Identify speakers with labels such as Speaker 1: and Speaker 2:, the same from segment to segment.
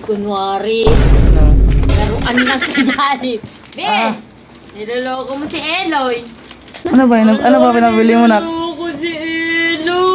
Speaker 1: kunwari. Laruan lang si Jollibee. Be! Niloloko mo si Eloy.
Speaker 2: Ano ba pinabili mo na?
Speaker 1: Niloloko si Eloy.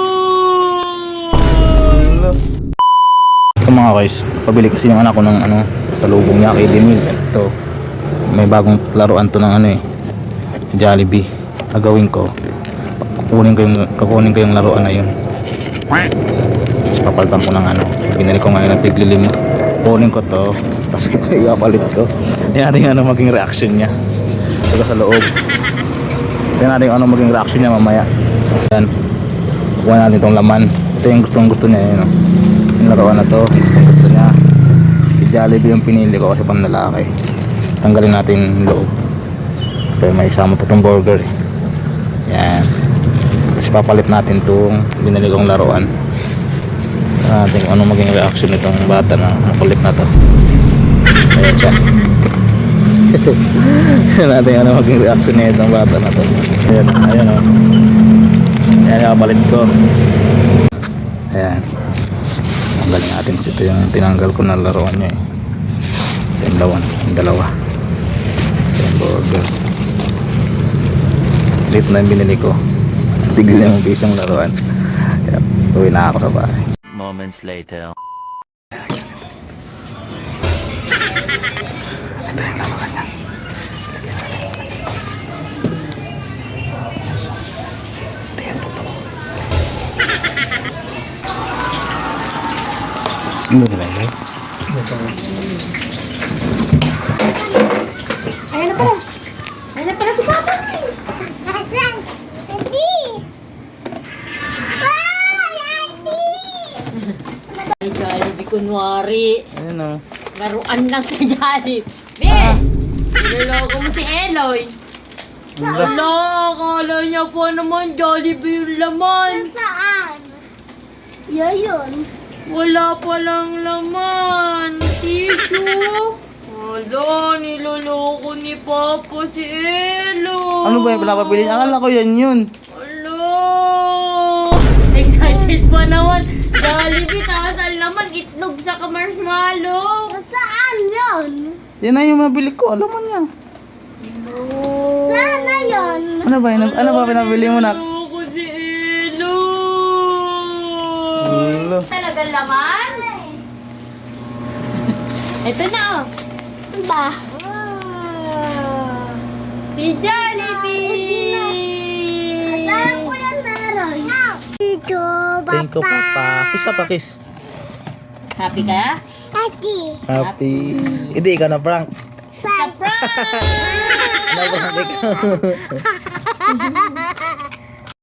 Speaker 2: Ito mga guys, pabili kasi yung anak ko ng sa lubong niya kay Demil. Ito, may bagong laruan to ng Jollibee. Gagawin ko, kukunin ko yung laruan na yun. Tapos papalitan ko ng binili ko ngayon ng tig-5. Kunin ko to, tapos ipapalit ko. Tingnan natin maging reaction niya. Ito sa loob. Tingnan natin maging reaction niya mamaya. Yan, kukuha natin itong laman. Ito yung gusto niya yun. Yung laruan na to, gusto niya. Si Jollibee yung pinili ko kasi pang lalaki. Tanggalin natin yung loob. Pero may isama pa itong burger eh. Yan. Tapos papalit natin itong binili kong laruan. Natin kung anong maging reaction nitong bata na makulit na to. Ayan siya. Natin ano maging reaction niya itong bata na to. Ayan, ayan o. Ayan, papalit ko. Ayan. Tanggalin natin. Ito yung tinanggal ko na laruan niya eh. Ito yung dalawa. Ito yung burger. Late na yung binili ko. Tigil yung pisang laruan. Kaya uwi na ako sa bahay.
Speaker 3: Moments later.
Speaker 2: Ito yung laruan niya. Ano ba yun?
Speaker 1: Ayan na pala. Ayan na pala si Papa. Ay, Jollibee kunwari.
Speaker 2: Ayan o.
Speaker 1: Laruan lang si Jollibee. Be! Niloloko mo si Eloy. Wala, akala niya po naman Jollibee yung laman.
Speaker 4: Saan? Yun.
Speaker 1: Wala palang laman. Tissue. Wala, niloloko ni Papa si Eloy.
Speaker 2: Ano ba yung pinapabili? Akala ko yan yun.
Speaker 1: Wala. Excited pa naman. Jollibee, tapos ang laman, itlog sa marshmallow.
Speaker 4: Saan yun?
Speaker 2: Yan na yung mabili ko. Alam mo niya.
Speaker 4: Saan na yun?
Speaker 2: Ano ba pinabili mo na?
Speaker 1: Niloloko si Eloy. Talagang laman? Ito na oh.
Speaker 4: Ba?
Speaker 1: Si Jollibee!
Speaker 4: Saan ko yan meron? Dito,
Speaker 2: Thank you, Papa. Kiss pa, kiss.
Speaker 1: Happy ka?
Speaker 4: Ati.
Speaker 2: Happy. Hindi, ikaw na prank.
Speaker 1: Surprise!
Speaker 2: Ano ba sabi ko?